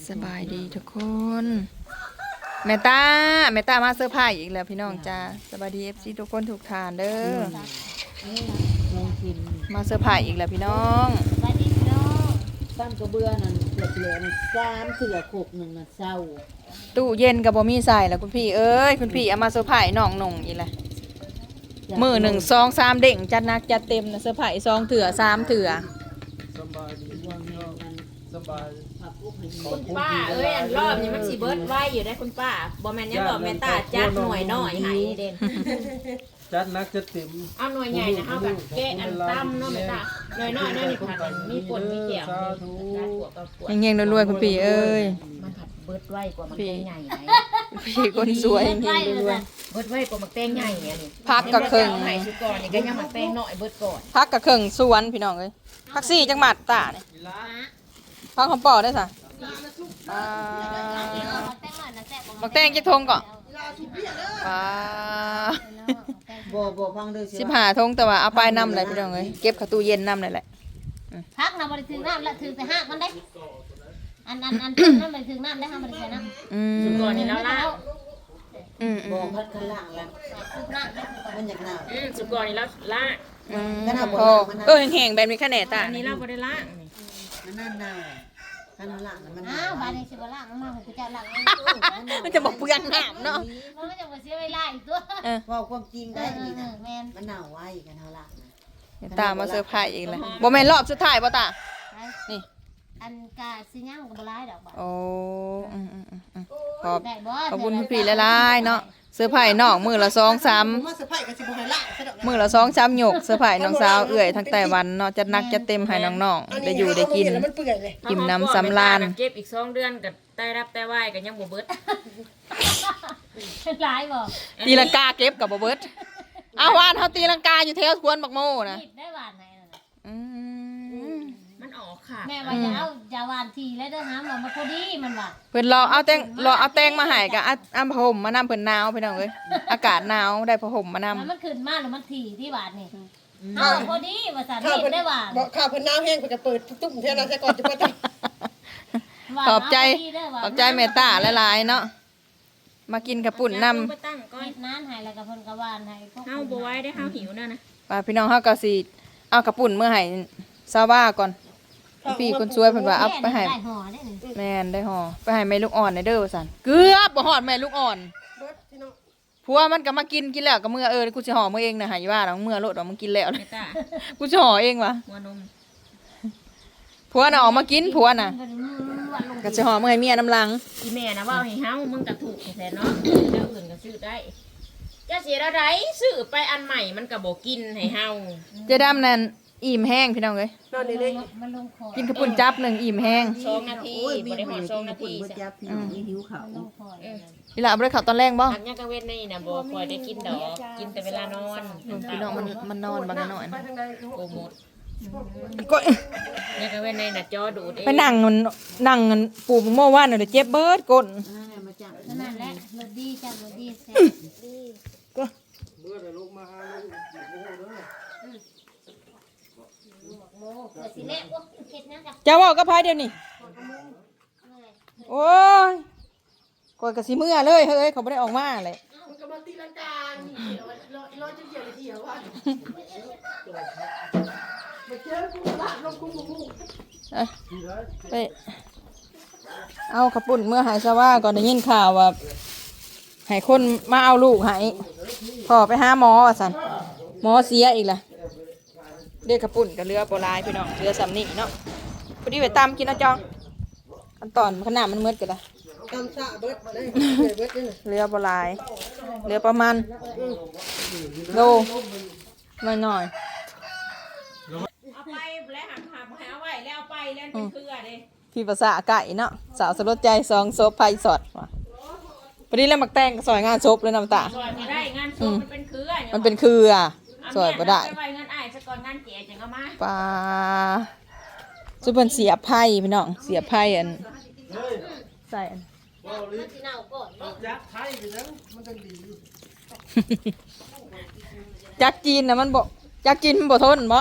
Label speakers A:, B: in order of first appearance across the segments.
A: สบายดีทุกคนแม่ตามาเซอร์ไพรส์อีกแล้วพี่น้องจ้าสบายดีFCทุกคนทุกทานเด้อมาเซอร์ไพรส์อีกแล้วพี่น้อง
B: สบายดีพี่น้อง
C: ตั้งกระเบื้อนั่นเหลือนั่น3เถื่อโขก1น่ะเศร้า
A: ตู้เย็นกับบ่มีใส่แล้วคุณพี่เอ้ยคุณพี่เอามาเซอร์ไพรส์น้องหนุ่งอีกแล้วมือ1 2 3เด้งจัดหนักจัดเต็มนะเซอร์ไพรส์2เถื่อ3เถื่อ
D: สบายดีว่าเนาะสบาย
B: คุณป้าเอ้ยอันรอบนี้มันสิเบิดไว้อยู่ได้คุณป้าบ่แม่นยังบอกแม่ตาจัดหน่วยน้อยให้เด่น
D: จัดนักจะเต็ม
B: เอาหน่วยใหญ่นะเอาแบบแกะอันตั้มเนาะแม่ตาหน่วยน้อยนั่นนี่ผัดมีป่นมีเขียวจัดปวดกับปวด
A: เฮงๆรวยๆคุณพี่เอ้ย
B: มันผัดเบิดไว้กว่ามันแตงใหญ่ไหน
A: พี่คนสวยเฮงๆรวย
B: เบิดไว้กว่ามันแตงใหญ่อันนี้
A: พักกับเครื่อง
B: ให้สุก่อนนี่ก็ยังมันแตงน้อยเบิดก่อน
A: ๆพักกับเครื่องสวนพี่น้องเอ้ยพักซี่จังหวัดตาเนี่ยพักของป่อได้ซะบักแตงจักทงก่อน
C: บ่ฟังเด้อ
A: 15ทงแต่ว่าเอาไปนำเลยพี่น้องเอ้ยเก็บเข้าตู้เย็นนำเลยแหละ
E: พักนะบริถึงน้ำละถึงแต่หักมันได้อันนั่นบริถึงน้ำได้ห้ามบริถึงน้ำ
B: สุก่อนนี่แล้วล่ะ
C: บ่พัดข้างล่างแล้ว
E: สุกน้ำได้
C: มันอยากหนาว
B: สุก่อนนี่แล้วล่ะ
A: แห้งๆแบบมีคะแนนตา
B: อันนี้เราบ่ได้ล่ะ
C: มันนั่นหนาวข้างล่างมัน
E: อ้าวบ้านนี้สิบล่างมาคือจะล่าง
A: มันจะบอกเปลืองน้ำเนาะ
E: มันก็จะมาเสียเวลาอีกตัว
C: ว่าความจริงได้อีก
E: แมน
C: มันหนาวไว้กันข้างล่าง
A: ตามาเซอร์ไพรส์อีกแล้วบ่แม่นรอบสุดท้ายบ่ตานี่
E: อันกาสิย่างกับบลายดอกบ่
A: โอ้ขอบ
E: ได้บ่
A: ขอบคุณพี่หลายๆเนาะเซอร์ไพรส์น้องมือละ2-3มือละ2-3หยกเซอร์ไพรส์น้องสาวเอื้อยทั้งไต้หวันเนาะจัดหนักจัดเต็มให้น้องๆได้อยู่ได้กินกินน้ำสำราญ
B: เก็บอีก2 เดือนก็ได้รับได้ไหวก็ยังบ่เบิด
E: หลายบ่
A: ตีลังกาเก็บกับบ่เบิดเอาวานเฮาตีลังกาอยู่แถวสวนบักโมนะ
E: ผิดได้หวานไหน
A: อืม
B: มันออกค่ะ
E: แม่ว่าจะเอาจะหวานทีแล้วเด้อหาหมอมาพอดีมันว่า
A: เพิ่นรอเอาแตงมาให้ก็เอาผ้าห่มมานำเพิ่นหนาวพี่น้องเอ้ยอากาศหนาวได้ผ้าห่มมานำ
E: มันขึ้นมาหรือมันทีที่หวานนี่เอาพอดีว่าสารเห็นได้หวาน
F: บอกข่าวเพิ่นน้ำแห้งเพิ่นจะเปิดตุ้มเท่านั้นซะก่อนจะเปิด
A: ขอบใจเมตตาหลายๆเนาะมากินกับปุ่นนำ
B: ไปตั้งก่อน
E: เฮ็ดนานให้แล้วก็เพิ่นก็หวานให้พวก
B: เฮาบ่ไหว้ได้เฮาหิวน่ะนะ
A: ว่าพี่น้องเฮาก็สิเอากับปุ่นเมื่อให้ซาว่าก่อนพี่คนช่วยเพิ่นว่าเอาไปให้
E: ได้ห่อได้นี่
A: แม่นได้ห่อไปให้แม่ลูกอ่อนในเด้อว่าซั่นเกือบบ่ฮอดแม่ลูกอ่อนผัวมันก็มากินแล้วก็มื้อกูสิห่อมื้อเองน่ะให้ว่าดอกมื้อโลดดอกมึงกินแล้ว
B: เมตา
A: กูสิห่อเองวะ
B: หัวนม
A: ผัวน่ะออกมากินผัวน่ะ
E: เพิ่นหวานลง
A: ก็สิห่อมื้อให้เมียน้ำลัง
B: อีแม่นะเว้าให้เฮามึงก็ถูกแท้เนาะเจ้าอื่นก็ซื้อได้จะเสียอะไรซื้อไปอันใหม่มันก็บ่กินให้เฮา
A: เจ๊ดำนั่นอิ่มแห้งพี่น้องเอ้ย
F: นอนนี่เลย
E: มันลงคอ
A: กินข้าวปุ้นจับหนึ่งอิ่มแห้ง
B: 2 นาทีบ่ได้ฮอด2 นาที
C: บ่จับพี่น้องหิวข้าว
E: ลงคอ
A: อีหล่ะบ่ได้ข้าวตอนแรกบ่
B: หักยังกะเว้นนี่น่ะบ่ค่อยได้กินดอกกินแต่เวลานอน
A: พี่น้องมันนอนบางหน่อย
F: ไปทางใด
B: โอ้หมด
A: ก็
B: ยังกะเว้นนี่น่ะจอดูดเอง
A: ไปนั่งปูโม่ว่านน่ะเดี๋ยวเจ็บเบิดก้น
C: นั่นแหละมาจับ
E: นั่นแหละรสดีจ้ะรสดีแซ่บ
D: เมื่อได้ลูกมาหาลูกโอ้โหเด้อ
E: โมเกิดสิเละโอ้เฮ็ดหยังจ้ะ
A: จะเว้ากับไผเดี๋ยวนี้โอ้ยกดก็สิเมื่อเลยเฮ้ยเขาบ่ได้ออกมาเลย
F: มันก็มาตีลังกานี่ร้อยจะเกี่ยวเลยเที่ยวว่ามาเจอกูลาดลงกูหมู
A: ไปเอาข้าวปุ้นเมื่อหายซะว่าก่อนได้ยินข่าวว่าให้คนมาเอาลูกให้พ่อไปหาหมอว่าซั่นหมอเสียอีกล่ะเด็กข้าวปุ้นกับเรือโบราณพี่น้องเรือสำนี่เนาะพอดีไปตำกินนะจองขั้นตอนขนาดมันมืดกันละ
F: ตำซาเบิดเลยเบิดนี่
A: เรือโบราณเรือประมาณโลหน่อย
B: เอาไปแล้วหักให้เอาไว้แล้วเอาไปแล้วเป็นเครือเด้
A: ๆพี่ภาษาไก่เนาะสาวสลดใจซองโซฟไพสดว่ะพอดีแล้วมักแตงก็ซอยงานซบเลยน้ำตา
B: ซอยบ่ได้งานศพมันเป็นเครือ
A: มันเป็นคืออ่ะซอยบ่ได้
B: เอาไว้งานอ้ายซะก่อนงานแก่จังเอามา
A: ปลาสุพรรณเสียบไพ่พี่น้องเสียบไพ่อันใส่อัน
E: มันสิเน่าก่อนเนาะ
D: จักไทยไปแล้วมันจังดีอยู่
A: จักจีนนะมันบ่จักจีนมันบ่ทนบ่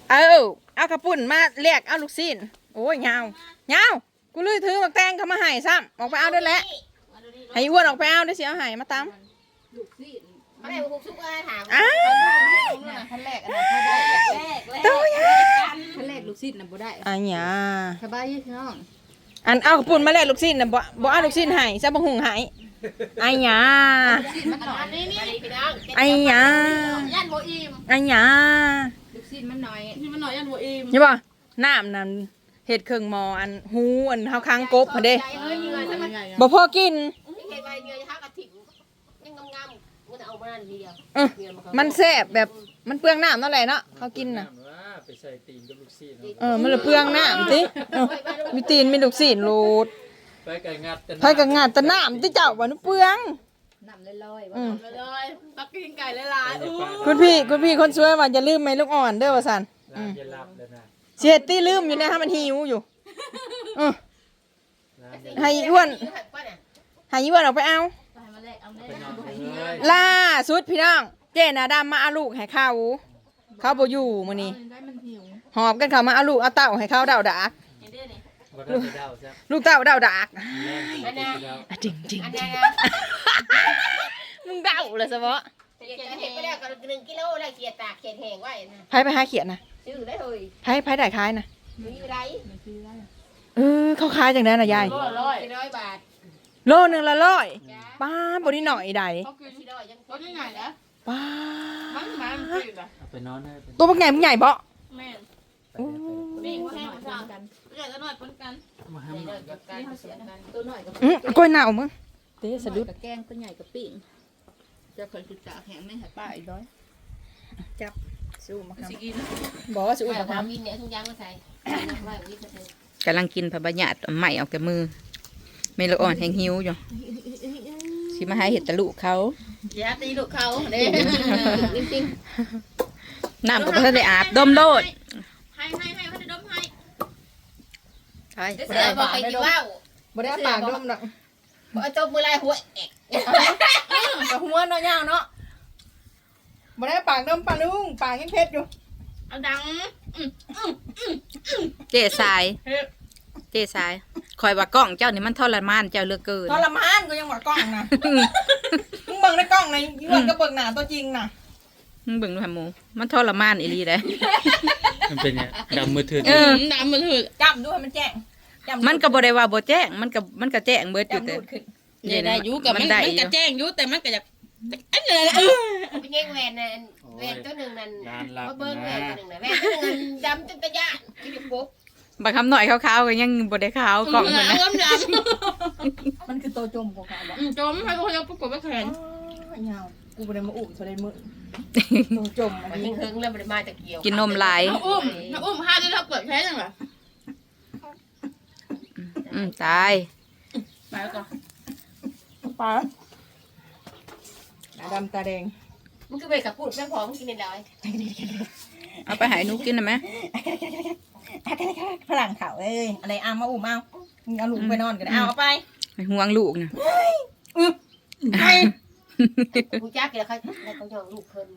A: เอากระปุ่นมาเรียกเอาลูกศิษย์โอ้ยยาวยาวกูเลยถือหมักแตงเขามาให้ซ้ำออกไปเอาด้วยแหละให้อ้วนออกไปเอาด้วยสิเอาให้มาตาม
B: เขาได้บุกซุกอะไรถาม
A: อ้าว
C: ขั้นแรกอันนั้นเขาได้
A: ตัวยา
C: ขั้นแรกลูกศิษย์น่ะบ่ได้
A: อันยา
C: สบายอยู่พี่น้อง
A: อันเอากระปุ่นมาเรียกลูกศิษย์น่ะบ่เอาลูกศิษย์ให้ซะบ่หุงให้อันยา
B: อันนี้พี่น้อง
A: อันยา
F: ยันโบอิม
A: อันยา
C: ลูกศิษย์มันน้อย
F: นี่มันหน่อยยันโบอิม
A: นี่บ่น้ำนั่นเฮ็ดเครื่องหมออันหูอันเฮาค้างกบหั่นเด้
B: ใจเฮ้ยเงยใช่ไหม
A: บ่พอกิน
B: เห็นใบเงยทักกระถิ่นยังงามๆมันจะเอามานั่นทีเดียว
A: มันแซ่บแบบมันเปลืองน้ำนั่นแหละเนาะเขากินน่ะ
D: ไปใส่ตีนกับลูกซีน
A: มันเลยเปลืองน้ำติมีตีนมีลูกศิษย์โลด
D: ไปไก่งัด
A: ไผก็งานแต่น้ำติเจ้าว่ามันเปลือง
C: น้ำลอยๆ
A: อืม
F: เลยปักกิ่งไก่หลายๆอู้
A: คุณพี่คนสวยว่าอย่าลืมแม่ลูกอ่อนเด้อว่าซั่น
D: อย่าหลับเลยนะ
A: เสียตี้ลืมอยู่นะฮะมันหิวอยู่ให้อ้วนให้อ้วนออกไปเอา
F: ไปมาแลกเอา
D: ไป
F: แน่
D: นอนเลย
A: ล่าสุดพี่น้องเจน่ะดำมาเอาลูกให้เขาบ่อยู่มื้อนี้
F: ได้มันหิว
A: หอบกันเขามาเอาลูกเอาเต้าให้เขาเดาดาก
F: เห็นได้นี่
D: บ่ได้ไปเดาซะ
A: ลูกเต้าเดาดาก
D: แรงไปเดา
A: จริงจริง
B: อันนี้นะ
A: มึงเดาเลยซะบ่
B: เห็ดไปแล้วก็1 กิโลแล้วเกียร์ตากเขียดแห้งไว้นะ
A: ไปหาเขียนนะ
B: ซื้อได้เลย
A: ไผได้ขายนะ
B: มีอยู่ไร
A: เขาขายจังได๋น่ะยาย
F: ก็ร้อย
B: 400 บาท
A: โลนึงละ100ป้าบ่ได้หน่อยใด
F: เขากิน
B: 400ยัง
F: รถยังไงนะ
A: ป้า
F: มันกินอ่ะ
D: เอาไปนอนให้
A: ตัวบักใหญ่มึงใหญ่บ่
F: แม่น
A: โอ้
F: ปิ้งแห้งมาสั่งกันใหญ่ก็น้อยปนกัน
D: มาให้
B: เดินกับการเสียกัน
C: ตัวน้อยกับ
A: กล้วยหนาวมึงเตะสะดุด
C: กับแกงตัวใหญ่กับปิ้งจะคนศึกษาแข็งไม่หัดป้าอีกร้อย
A: จับสู้มาครับ
C: สิกิน
A: บอกว่าสู้
B: อุ้ย
A: มาค
B: ทา
A: รับ
B: วินเนี่ยทุกอย่างมาใส่ไว้วินเถอะ
G: กำลังกินผักบะหยาดใหม่ออกจากมือเมลอ่อนแห้งหิวอยู่สิมาให้เห็ดตะลุเขา
F: อย่าตีลูกเขาเด้จริง
G: น้ำก็บ่ทันได้อาบดมโลด
F: ให้เขาจะดมให้
G: ใช่
B: เสือบอกไปกินว่าว
A: บ่ได้ปากดมดอก
B: บอกจบมือลายหัวเอก
A: กับหัวเนาะยาวเนาะบ่ได้ปากดมปลาลุงปากยังเพชรอยู่
F: เอาดัง
G: เจ๊สายเจ๊สายคอยว่ากล้องเจ้านี่มันทรมานเจ้าเหลือเกิน
A: ทรมานก็ยังว่ากล้องนะมึงเบิ่งในกล้องในย้อนก็เบิ่งหน้าตัวจริงน่ะ
G: มึงเบิ่งดูหาหมูมันทรมานอีหลีเด้
D: มันเป็นเนี่ยดำมือถือ
F: น้ำมันถือ
A: จำด้วยมันแจ้งจำ
G: มันก็บ่ได้ว่าบ่แจ้งมันก็แจ้งเบิดอยู่
A: จำ
G: แต่
A: ดูดขึ้น
F: ได้อยู่กับมัน
G: ได้
F: มัน
G: อก
F: ระ
G: ยู่
F: แจ้งอยู่แต่มันก็อยากอันนี้
B: เป็นยังแหวนนั่นแหวนตัวหนึ่งนั่น
D: งานหลับ
B: มาเบิ้งแหว
D: นะ
B: นตัวหนึ่งนะแหวนตัวหนึ่งดำจนตะยานกินปุ๊บบ
G: างคำหน่อยขาวๆก็ยังบ่ได้ขาวกล้อง
F: มั
G: มัน นนะ
F: ก็ย
A: มันคือตัวจมของเขาบอก
F: ำจมให้เขายังประกบไปแขน
A: ยาวกูบ่ได้มาอุ้มโซได้มือตัวจมอัน
B: มัน
A: นี้
B: ยังเฮิงแล้วมันมาตะเกียว
G: กินนมหลาย
F: น้าอุ้มห้าได้เราเปิดแค่ยังไง
G: ตาย
F: ไปก่อน
A: ปลาหน้าดำตาแดง
B: มันคือไปกับพูดแม่พอมันกินในร้อย
G: เอาไปให้หนูกินได้ไหม
A: ฝรั่งเขาเอ้ยอะไรเอามาอุ้มเอามึงเอาลูกไปนอนกันเอาไป
G: ให้ห่วงลูกนะ
A: ไป
B: ผู้จ้ากินแล้วเขาเขาจะลูกเพิ่น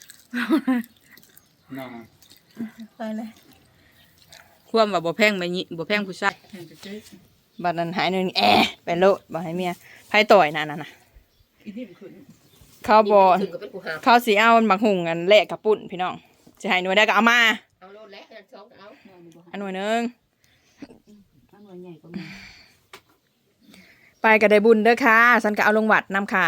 D: นอน
A: ไปเลย
G: ความว่าบ่แพงไม่ยิบ่แพงผู้ชาย
A: บัดนั้นหายหนึ่งไปโลดบอกให้เมียไพ่ต่อยนั่นน่ะเขาบอก
B: ถึงก็เป็นผู้หา
A: เขาสีเอาบักหุงกันแลกกับปุ่นพี่น้องจะให้หน่วยได้ก็เอามา
B: เอาโลดแล้วกันสองเอา
A: อันหน่วยหนึง
C: อันหน่วยใหญ่ก็มี
A: ไปก็ได้บุญเด้อค่ะฉันก็เอาลงวัดนำค่ะ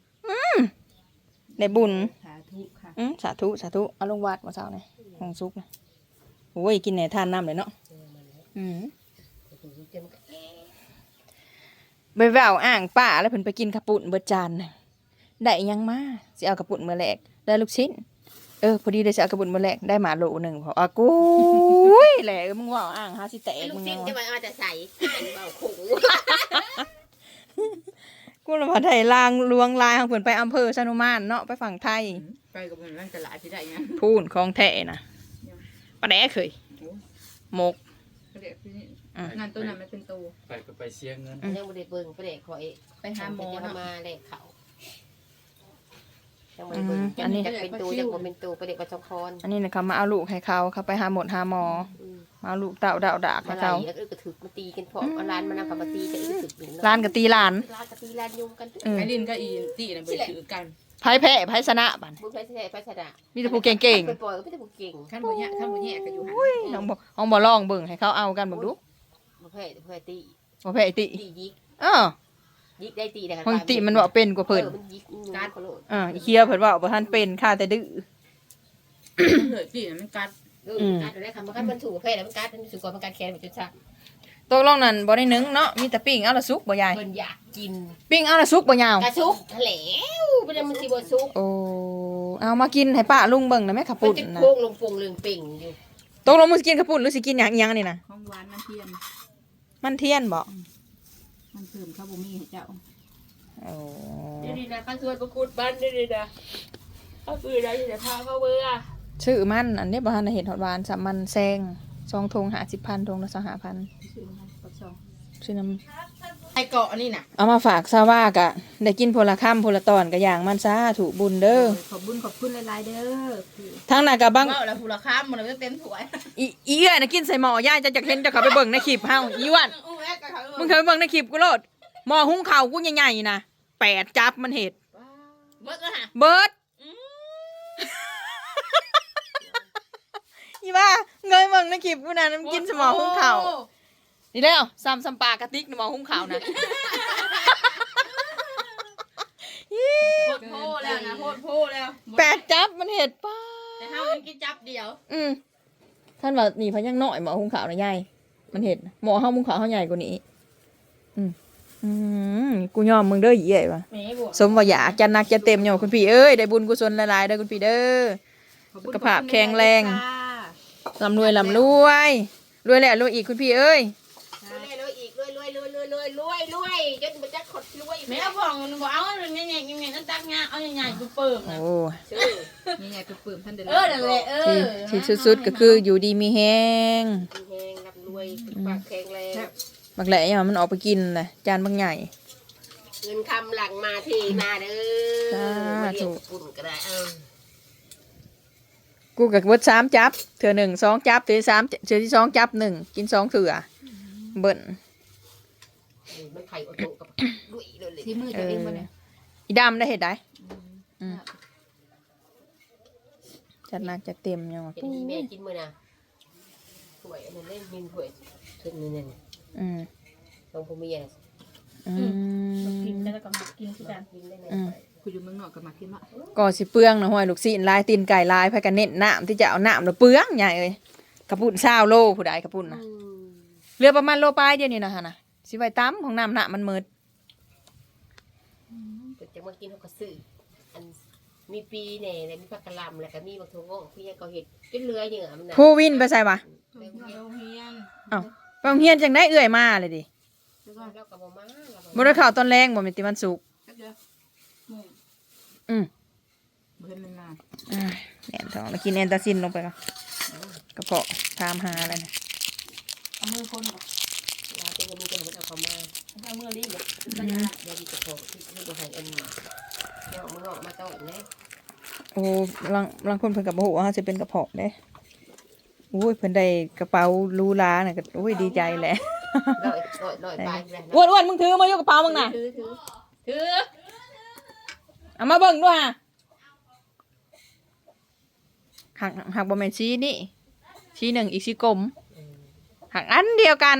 A: ได้บุญ
C: สาธุค่ะ
A: สาธุสาธุเอาลงวัดมาเช้านี่หงซุกนะโอ้ยกินไหนทานน้ำเลยเนาะไปแววอ่างป้าแล้วเพิ่นไปกินกระปุ่นเบิดจานน่ะได้อิหยังมาสิเอากระปุ่นมื้อแรกได้ลูกชิ้นพอดีได้สิเอากระปุ่นมื้อแรกได้หมาโลนึงพอกูยแหละมึงว่าอ่างหาสิแตก
B: ลูก
A: มึง
B: ชิ้
A: ยั
B: น
A: ง
B: จะ
A: วะ
B: มาจะใส่เบาขู่
A: กูละมาไทยลางลวงลายของเพิ่นไปอำเภอชะนุมานเนาะไปฝั่งไทย
C: ไปกับมันร่างจะหลายที่ได้ยัง
A: พูนของแท้น่ะปลาแดกเคยหมก
C: เขาเรียกที่นี่งานตัวนั้นมันเป็นตัว
D: ไปก็ไปเสียเงิน
B: ยังไม่ได้เบิ่งไปเด็กคอย
C: ไปหาหมอ
B: จะ
C: เนาะ
B: มาเด็กเขาจังบ่ได้เบิ่งอันนี้จะเป็นตูจังบ่เป็นตูไปเด็กประจำพร
A: อันนี้นะเขามาเอาลูกให้เขาไปหาหมอมาเอาลูกเต่าดาวดาก
B: มา
A: ให้
B: ไหล
A: เขา
B: แล้วก็ถึกมาตีกันพร้อมเอาร้านมานำกับมาตีกันอีกถึกหนึ่ง
A: ร้านกับตีร้าน
B: ร้านกับตีร้านยุ่งกัน
G: ไอ้ลินก็อีตีน่ะไปถือกัน
A: ไพ่แพ้ไพ่ชนะบัน
B: บุญไปแท้ไปชนะ
A: มีแต่ผู้เก่ง
B: ไปปล่อยก็ไม่ได้ผู้เก่ง
G: ขั้นบ่แย่ก็อยู่หัน
A: ๆน้องบ่ลองเบิ่งให้เขาเอากันเบิ่งดู
B: บ่แพ้บ่แพ้ตี
A: บ่แพ้ไอ้ติ
B: ตียิก
A: เออ
B: ยิกได้ตีได้
A: บางติมันว่าเป็นกว่าเพิ่น
B: มันยิกการเขาโลด
A: อีเคียวเพิ่นว่าบ่ทันเป็นค่าแต่ดื้อ
G: เหนื่อยตีน่ะมันกัด
B: การได้คำว่ามันถูกแพ้แล้วมันการมันถูกกว่ามันการแขนมันจนชัก
A: ตกลงนั่นบ่ได้นึ่งเนาะมีแต่ปิ้งเอาละสุกบ่ยาย
B: เพิ่นอยากกิน
A: ปิ้งเอาละสุกบ่ยาว
B: กระซุกแล้วเป็นมันสิบ่ซุก
A: โอ้เอามากินให้ป้าลุงเบิ่งนะแม่ขับ
B: มัน
A: ปุ่น
B: จะ
A: นะ
B: โค้งลงปงเรื่องเป่งอยู่
A: ตกลงมึงสิกินขับปุ่นหรือสิกินหยังอีหยังนี่นะ
G: ของหวานมันเทียน
A: มันเทียนบ่
G: มันเพิ่มข้าวบ่มีให้เจ้า
A: โอ้
B: นี่นะข้าส่วนประกุดบ้านนี่นะข้าปืนได้แต่พาเขาเบื่อ
A: ชื่อมันอันนี้บ่ทันได้เห็นฮอดหวานสามันแซง2 ธง50,000 ธงละ25,000
G: ซื้อมาให้ปักซอง
A: ชื่อน้
G: ไอ้เกาะนี่น่ะ
A: ำเอามาฝากซาวากะได้กินพลค่ำพลตอนกะอย่างมันซาถูกบุญเด้อ
G: ขอบคุณหลายๆเด้อ
A: ทั้งนั้นกะบัง
G: เว้าแล้วผู้ละค้ามมันเต็มถ้วย
A: อีเอ้ยน่ะกินใส่หม้อย่ายจะเห็นจะเข้าไปเบิ่งในคลิปเฮาอีอ้วนมึงเคยไปเบิ่งในคลิปกูโลดหม้อหุงข้าวกูใหญ่ๆนะ8จับมันเฮ็ด
G: เบิดแล้วฮะ
A: เบิดอีว่าเงยเบิ่งในคลิปกูนะมันกินสมอหุงข้าวนี่แล้วซ้ำปลากระติกหม้อหุงข้าวนะ
G: โพดโพแล้วนะโพดแล้ว
A: 8จับมันเฮ็ดป้า
G: แต่เฮามันกินจับเดียว
A: ท่านว่านี่พะยังน้อยหม้อหุงข้าวนะยายมันเฮ็ดหม้อเฮาหุงข้าวเฮาใหญ่กว่านี้กูยอมมึงเด้ออีเอ้ยว่ะ
B: แม่บวก
A: สมว่าอยากจะนักจะเต็มอยู่คุณพี่เอ้ยได้บุญกุศลหลายๆเด้อคุณพี่เด้อสุขภาพแข็งแรงลำรวยรวยแล้วรวยอีกคุณพี่เอ้ย
B: รวยอีกรวยจนมันจะขดรวย
G: แม่บอกบ่เอาใหญ่ๆนั่นตักงาเอาใหญ่ๆกูเปิ่มนะ
A: โอ้
G: ใหญ่ๆกูเปิ่มท่านเด้อ
B: นั่นแหละ
A: ที่สุดๆก็คืออยู่ดีมีแฮง
B: แหงรับรวยปากแข็งแรง
A: บักแหล่เนี่ยมันออกไปกินเลยจานบางใหญ่
B: เงินคำหลังมาทีมาเด้อมาเรียกปุ่นก็ได้
A: กูกับเบิด3จับเถื่อ1 2จับเถื่อ3เถื่อที่2จับ1กิน2เถื่อเบิ่น
B: มันไข่อดโตกับด้วยเลย
G: ที่มือจะเองบ่เนี่ย
A: อีดำได้เห็ดได้จัดหนักจัดเต็มยังวะ
B: เห็นที่แม่กินมื้อน่ะถ้วยอันนั้นเล่นมินถ้วยถึงนี่ต้องผู้มีอ่ะ
E: กินแล้วก็มากินที่กัน
B: กินได้ไหม
G: กูอยู่เมืองนอกก็มากินละ
A: ก่อสิเปลืองนะห้อยลูกศิษย์ลายตีนไก่ลายพากันเน้นน้ำที่จะเอาน้ำแล้วเปลืองใหญ่เลยกระปุ่น20 โลผู้ใดกระปุ่นนะเรือประมาณโลปลายเดียวนี่นะฮะนะสิไว้ตั้มของน้ำหนะมันเมิด
B: จะมากินเขาก็ซื้ออันมีปีแหน่แล้วมีผักกะหล่ำแล้วก็มีบักถั่วงอกพี่ยังก็เห็ดจนเรืออย่างมันน่ะ
A: ผู้วินไปใส่ปะ
G: โรงเรียน
A: ไปโรงเฮียนจังได้เอื่อยมาเลยดิ
B: แล้วก็บ่มา
A: บ่ได้ข่าวตอนแรงบ่แม่นติวันศุกร์
G: เดี๋ยวบ่เห็นมันมา
A: แหนท้องแล้วกินแอนตาซินลงไปก่อนกระเพาะตามหาอะไรนะ
E: เอามือคนก่อน
B: เราเป็นมีแต่มันเอาเข้ามา
E: เอามือรีบเลย
B: เดี๋ยวดีจะพอที่บ่ให้อันนี้เดี๋ยวมึงออกมาต้อนนะ
A: โอ้ลังคนเพิ่นก็บ่ฮู้ว่าเฮาสิเป็นกระเพาะเด้โอ้ยเพิ่นได้กระเป๋าหรูหราน่ะก็โอ้ยดีใจแหละ
B: ลอยไปแล้ว
A: อ้วนๆมึงถือมาอยู่กระเป๋ามึงน่ะ
B: ถือ
A: เอามาเบิ่งด้วยฮะหักบ่แม่นชี้นี่ชี้หนึ่งอีกชี้กลมหักอันเดียวกัน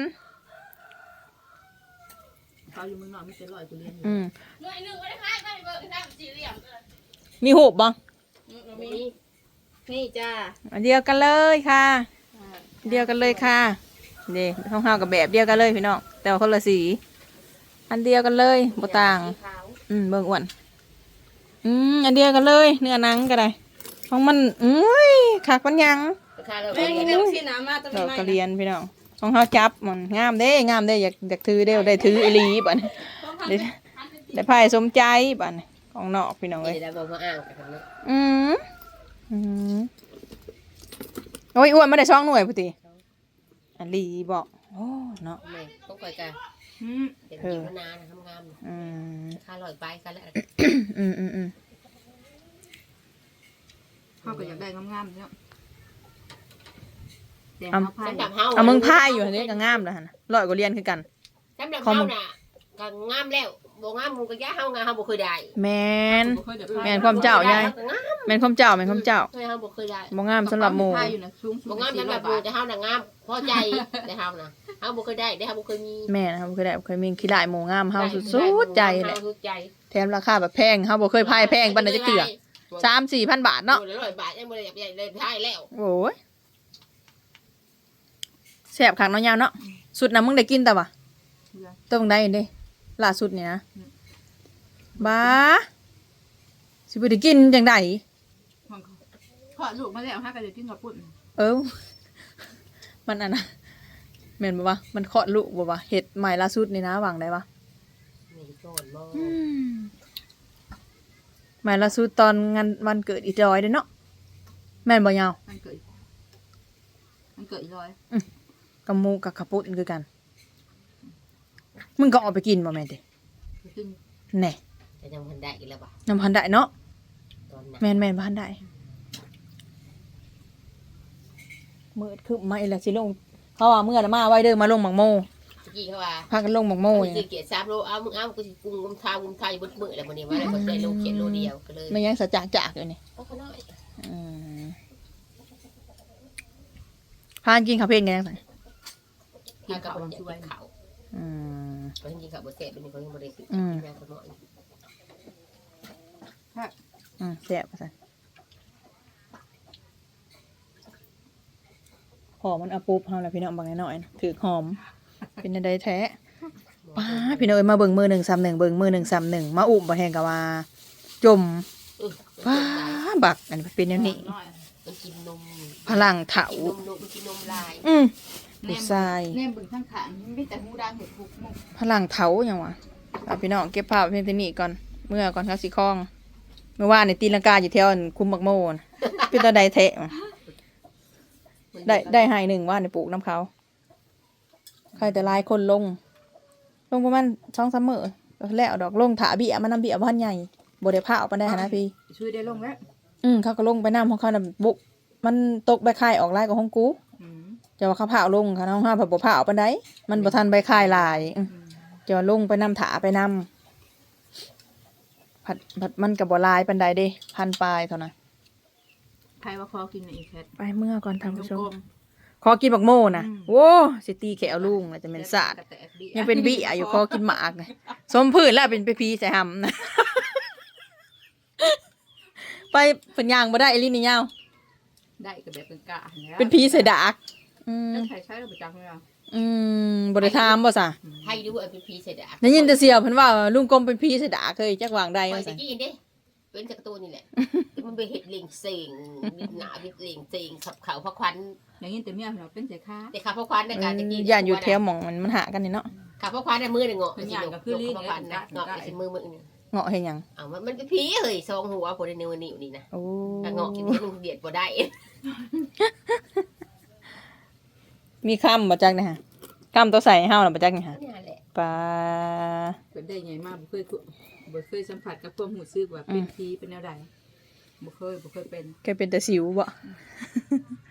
G: เขาอยู่เมืองนอกมีแต่ร้อยกูเรียน
E: หน่วยหนึ่งไม่ได้ค่ายค่ายเบอร์กันได้สี่เหลี่ยม
A: มีหูบบ่
B: มี
E: นี่จ้า
A: อันเดียวกันเลยค่ะอันเดียวกันเลยค่ะนี่ของเฮากับแบบเดียวกันเลยพี่น้องแต่ว่าคนละสีอันเดียวกันเลยบ่ต่าง
B: ขาว
A: เบิ่งอ้วนอันเดียวกันเลยเนื้อหนังก็ได้ของมันคักมันยัง
B: ราคาเรา
E: แม่งเดี๋ยวสิน้ำมาตัว
A: ดอก
E: ใหม่
A: กระเรียนพี่น้องของเฮาจับมันงามเด้อยากถือเด้อได้ถืออีหลีบัดนี้ได้ไพ่สมใจบัดนี้ของนอกพี่น้องเอ้ย
B: เดี๋ยวเรามาอ่างกันนะ
A: โอ้ยอ้วนมาได้2 หน่วยพุติอันลีบอกโอ้เนาะ
B: แม่ต้องคอยกันเดี๋ยวกินมานานทำงานราคาลอยไปกันแล้ว
G: เขาก็อยากได้งามๆเนาะแต่
A: เอา
G: เขาพาย
B: สำหรับเฮา
A: เอามึงพายอยู่อันนี้ก็งามแล้วหั่นน่ะร้อยกว่าเหรียญคือกัน
B: สำหรับเฮาน่ะก็งามแล้วบ่งามมึงก็ย่าเฮางามเฮาบ่เคยได้
A: แมน
G: บ่เคยได้พาย
A: แม่นความเจ้ายาย
B: ก็งาม
A: แมนความเจ้าแมนความเจ้า
B: เคยเฮาบ่เคยได้
A: บ่งามสำหรับหมู่
G: พายอยู่นะสูง
B: บ่งามสำหรับหมู่แต่เฮาน่ะงามพอใจแต่เฮาน่ะเฮาบ่เคยได้เฮาบ่เคยมี
A: แม่นะครับเคยได้เคยมีขี้ลายหมู่งามเฮาสุดๆใจแหละ
B: สุดใจ
A: แถมราคาแบบแพงเฮาบ่เคยพายแพงปานใดจักเทื่อ 3-4,000 บาทเนาะ
B: โอ้ย100 บาทยังบ่ได้อยากได้พายแล้ว
A: โอ้ยแซ่บคักเนาะยาวเนาะสุดน่ะมึงได้กินแต่ว่าต้องได้เด้ล่าสุดนี่นะบ้าสิบ่ได้กินจังได๋
G: ขอลูกมาแล้วฮะก็จะกินกับปุ่น
A: เออ มันอันน่ะแม่นบ่วะมันเคาะลูกบ่วะเฮ็ดใหม่ล่าสุดนี่นะหวังได้ปะ
B: นี่ก่อนบ่
A: ใหม่ล่าสุดตอนงานวันเกิดอีจอยเด้อเนาะแม่นบ่ยาว
G: มันเกิดอีร้อย
A: กับหมูกับข้าวปุ้นคือกัน มึงก็เอาไปกินบ่แม่นติ
G: กิน
A: แหน่
B: แต่ยังบ่ได้อีกแล้วบ่
A: น้ำพันได้เนาะ
B: ตอนนั้น
A: แม่นๆพันได้มืดคือมาอีแล้วสิลงเขาว่าเมื่อน่ะมาไว้เด้อมาลงหมักโม
B: ตะกี้เขาว่า
A: พากันลงหมักโม
B: โอ้ย
A: นี่
B: เกียรติ3 โลเอามึงเอากูสิกุมทาอยู่บนมือแล้วมื้อนี้ว่าแล้วก็ได้โลเขียนโลเดียวก็เลย
A: ไม่ยังสะจากอยู่นี่
B: เอาเขาน้อย
A: อืมพากันกินข้าวเพลนกันยังไง
B: กินข้าวบ่ช่วยข้าว
A: อืม
B: เพราะจริงๆข้าวบ่แซ่บเป็นคนยังบ่ได้กิน
A: อืม
B: แม่เขาน้อย
A: แซ่บว่าซั่นหอมมันเอาปุ๊บเฮาแล้วพี่น้องบางน้อยๆนะถือหอม เป็นจังไดแท้ป้าพี่น้องเอ้ยมาเบิ่งมือ131เบิ่งมือ131มาอุ้มบ่แฮงกะว่า จม
B: เออ
A: ป้าบักอันเป็นแนวนี้
G: น้อย
B: มันกินนม
A: พลังเถา
B: กินนมมันกินนมลาย
A: ผู้ชาย
G: แนมบึงข้างขางมีแต่หูดังเห็ดหุกมุก
A: พลังเถาหยังวะเอาพี่น้องเก็บภาพเพียงเท่านี้ก่อนเมื่อก่อนเขาสิคล้อง เมื่อวานในตีลังกาอยู่แถวอันคุมบักโมนเป็นตาใดแทะมาได้หายหนึ่งว่าในปลูกน้ำเขาใครแต่หลายคนลงประมาณ2-3 มื้อแล้วดอกลงถาเบี้ยมันน้ำเบี้ยบ้านใหญ่บ่ได้พาออกไปได้นะพี่
G: ช่วยได้ลงแล้ว
A: เขาก็ลงไปน้ำของเขาน่ะบุกมันตกใบคายออกลายกับห้องกูจะว่าเขาพาเอาลงค่ะน้องห้าผัดบ่พาออกไปได้มันบ่ทันใบคายลายจะว่าลงไปน้ำถาไปน้ำผัดมันกับบ่ลายปันใดเด้1,000 ปลายเท่านั้น
G: ใครว่าคอกินอีกแคท
A: ไปเมื่อก่อนท่านผู้ช
G: กล
A: ม
G: ม
A: ขอกินบักโม่นะโว้สิตีแขวลุงน่ะจะเป็นศาสตร์ยังเป็นบี้อยู่ขอกินหมากนะสมพื้นแล้วเป็นไปพีใส่หำนะ ไปเป็นยางบ่ได้อีหลีนี่ยาว
G: ได้กับแบบเป็นกะ
A: เป็นพีใส่ดาก
G: แล้วใครใช้เราประจักษ์ไหมอ่ะ
A: บ่ได้ถามบ่ซะ
B: ให้ดูว่าเป็นพีเสร็จอ่ะ
A: ได้ยินแต่เสียวเพิ่นว่าลุงกรมเป็นพีใส่ดากเคยจักวางใด
B: ไป
A: ว่า
B: ตะ
A: ซั่น
B: กี้เด้เป็นจากตัวนี่แหละมันไปเห็ดเลียงเสงบิดหนาบิดเลียงเสงขับเขาพระควัน
G: อย่างนี้แต่เมียเราเป็นใจค้า
B: แต่ขับพระควันในการตะกี้
A: ย่านอยู่แถวหม่องมันหากันนี่เนาะ
B: ขับพระควันในมือหนึ่งเงาะ
G: เป็นอย่างก็คือลิ้น
B: พระควันนะเงาะไปมือนี่
A: เงาะเฮ็ดหยัง
B: อ้าวมันเป็นผีเฮ้ยซองหัวพอได้เนื้อนิ่วนี่นะ
A: โอ้
B: ถ้าเงาะกินที่นึงเดียดบ่ได้
A: มีคำบ่จักนะฮะคำตัวใส่ให้เฮาน่ะบ่จักนี่ฮะ
B: นี่แหละ
A: ปลา
G: เป็นได้ไงมากบ่เคยสัมผัสกับความหูซึกว่าเป็นผีเป็นแนวใดบ่เคยเป็น
A: แกเป็นแต่สิวบ่